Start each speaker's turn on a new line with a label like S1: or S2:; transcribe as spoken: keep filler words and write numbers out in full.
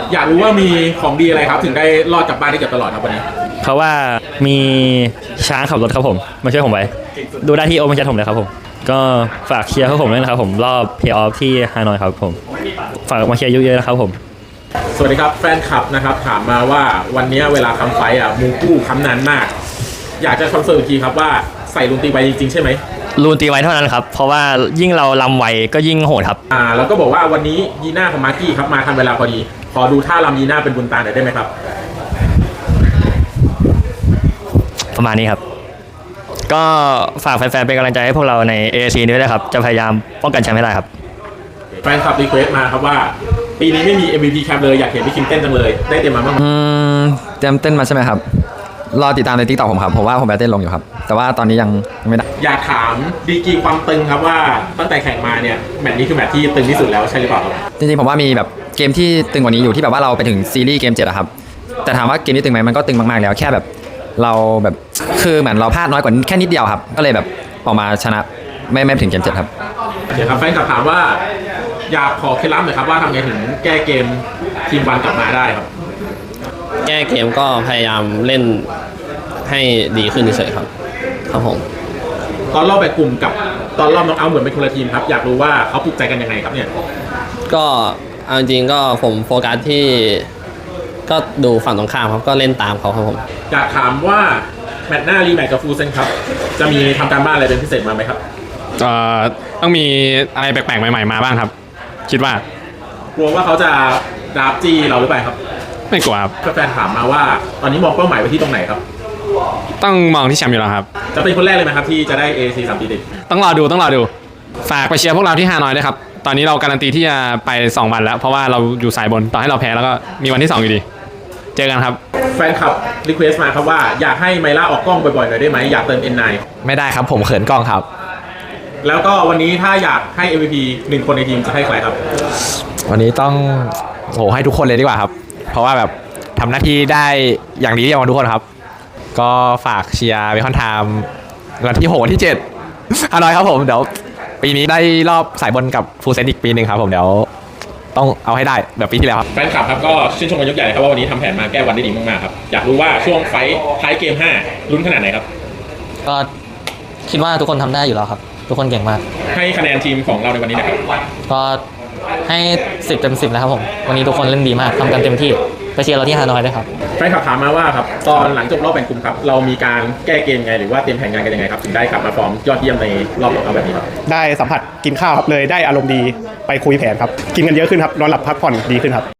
S1: อยากรู้ว่ามีของดีอะไรครับถึงได้รอดกลับบ้านได้เกือบตลอดครับวันนี้
S2: เพราะว่ามีช้างขับรถครับผมมาช่วยผมไว้ดูได้ที่โอเมนชัดผมเลยครับผมก็ฝากเชียร์ให้ผมด้วยนะครับผมรอบเพย์ออฟที่ฮานอยครับผมฝากมาเชียร์เยอะๆนะครับผม
S1: สวัสดีครับแฟนคลับนะครับถามมาว่าวันนี้เวลาคำไฟอ่ะมูกู้คำนานมากอยากจะคอนเฟิร์มอีกทีครับว่าใส่ลูนตีไวจริงๆใช่ไหม
S2: ลูนตีไวเท่านั้นครับเพราะว่ายิ่งเราลำไวก็ยิ่งโหดครับ
S1: อ่าแล้วก็บอกว่าวันนี้ยีน่าของมาร์กี้ครับมาทันเวลาพอดีขอดูท่าลำยีน่าเป็นบุญตาหน่อยได้ไหมครับ
S2: ประมาณนี้ครับก็ฝากแฟนๆเป็นกำลังใจให้พวกเราใน เอ เอ ซี ด้วยนะครับจะพยายามป้องกันแชมป์ให้ได้ครับ
S1: แฟนคลับรีเควสต์มาครับว่าปีนี้ไม่มี เอ็ม วี พี แคมป์เลยอยากเห็นพี่คิมเต้นจังเลยได้เตรียมมาบ้างไหม
S3: อืมเตรียมเต้นมาใช่ไหมครับรอติดตามใน ติ๊กต็อก ผมครับผมว่าผมไปเต้นลงอยู่ครับแต่ว่าตอนนี้ยังไม่ได้
S1: อยากถามดีกรีความตึงครับว่าตั้งแต่แข่งมาเนี่ยแมตช์นี้คือแมตช์ที่ตึงที่สุดแล้วใช่หรือเปล่าครับ
S3: จริงๆผมว่ามีแบบเกมที่ตึงกว่านี้อยู่ที่แบบว่าเราไปถึงซีรีส์เกมเจ็ดอะครับแต่ถามว่าเกมนี้ตึงไหมมันก็ตึงมากๆแล้วแค่แบบเราแบบคือเหมือนเราพลาดน้อยกว่าแค่นิดเดียวครับก็เลยแบบออกมาชนะไม่ไม่ถึงเกมเจ็ดครับ
S1: เดี๋ยวครับแฟนคลับถามว่าอยากขอเคล็ดลับหน่อยครับว่าทำไงถึงแก้เกมทีมวันกลับมาได้ครับ
S4: แก้เกมก็พยายามเล่นให้ดีขึ้นเฉยๆครับครับผม
S1: ตอนรอบแบ่งกลุ่มกับตอนรอบน็อกเอาท์เหมือนเป็นคนละทีมครับอยากรู้ว่าเขาปลุกใจกันยังไงครับเนี่ย
S4: ก็เอาจริงๆก็ผมโฟกัสที่ก็ดูฝั่งตรงข้ามครับก็เล่นตามเขาครับผม
S1: อยากถามว่าแมตช์หน้ารีแมตช์กับฟูเซนครับจะมีทำการบ้านอะไรเป็นพิเศษมาไหมครับ
S5: เอ่อต้องมีอะไรแปลกๆใหม่ๆมาบ้างครับคิดว่
S1: ากลัวว่าเขาจะดราฟจี้เราหรือเปล่าครับ
S5: ไม่กลัวครับ
S1: แฟนถามมาว่าตอนนี้มองเป้าหมายไปที่ตรงไหนครับ
S5: ต้องมองที่แชมป์อยู่แล้วครับ
S1: จะเป็นคนแรกเลยไหมครับที่จะได้ เอ ซี สามปีติด
S5: ต้องรอดูต้องรอดูฝากไปเชียร์พวกเราที่ฮานอยด้วยครับตอนนี้เราการันตีที่จะไปสองวันแล้วเพราะว่าเราอยู่สายบนต่อให้เราแพ้แล้วก็มีวันที่สองอยู่ดีเจอกันครับ
S1: แฟนคลับรีเควสต์มาครับว่าอยากให้ไมล่าออกกล้องบ่อยๆหน่อยได้ไหมอยากเติม เอ็น ไนน์
S3: ไม่ได้ครับผมเขินกล้องครับ
S1: แล้วก็วันนี้ถ้าอยากให้ เอ็ม วี พี หนึ่งคนในทีมจะให้ใครครับ
S3: วันนี้ต้องโหให้ทุกคนเลยดีกว่าครับเพราะว่าแบบทำหน้าที่ได้อย่างดีที่สุดทุกคนครับก็ฝากเชียร์เบคอนไทม์วันที่หกวันที่เจ็ดอร่อยครับผมเดี๋ยวปีนี้ได้รอบสายบนกับฟูเซนอีกปีหนึ่งครับผมเดี๋ยวต้องเอาให้ได้แบบปีที่แล้วครับ
S1: แฟนคลับครับก็ชื่นชมกันยกใหญ่ครับว่าวันนี้ทำแผนมาแก้วันได้ดีมากๆครับอยากรู้ว่าช่วงไฟท์ท้ายเกมห้าลุ้นขนาดไหนครับ
S6: ก็คิดว่าทุกคนทำได้อยู่แล้วครับทุกคนเก่งมาก
S1: ให้คะแนนทีมของเราในวันนี้นะครับ
S6: ก็ให้สิบเต็มสิบนะครับผมวันนี้ทุกคนเล่นดีมากทำกันเต็มที่ไปเชียร์เราที่ฮานอยด้วยครับ
S1: แฟนคลับถามมาว่าครับตอนหลังจบรอบแบ่งกลุ่มครับเรามีการแก้เกมไงหรือว่าเตรียมแผนงานกันยังไงครับถึงได้กลับมาฟอร์มยอดเยี่ยมในรอบเอาแบบนี้ครับ
S7: ได้สัมผัสกินข้าวครับเลยได้อารมณ์ดีไปคุยแผนครับกินกันเยอะขึ้นครับนอนหลับพักผ่อนดีขึ้นครับ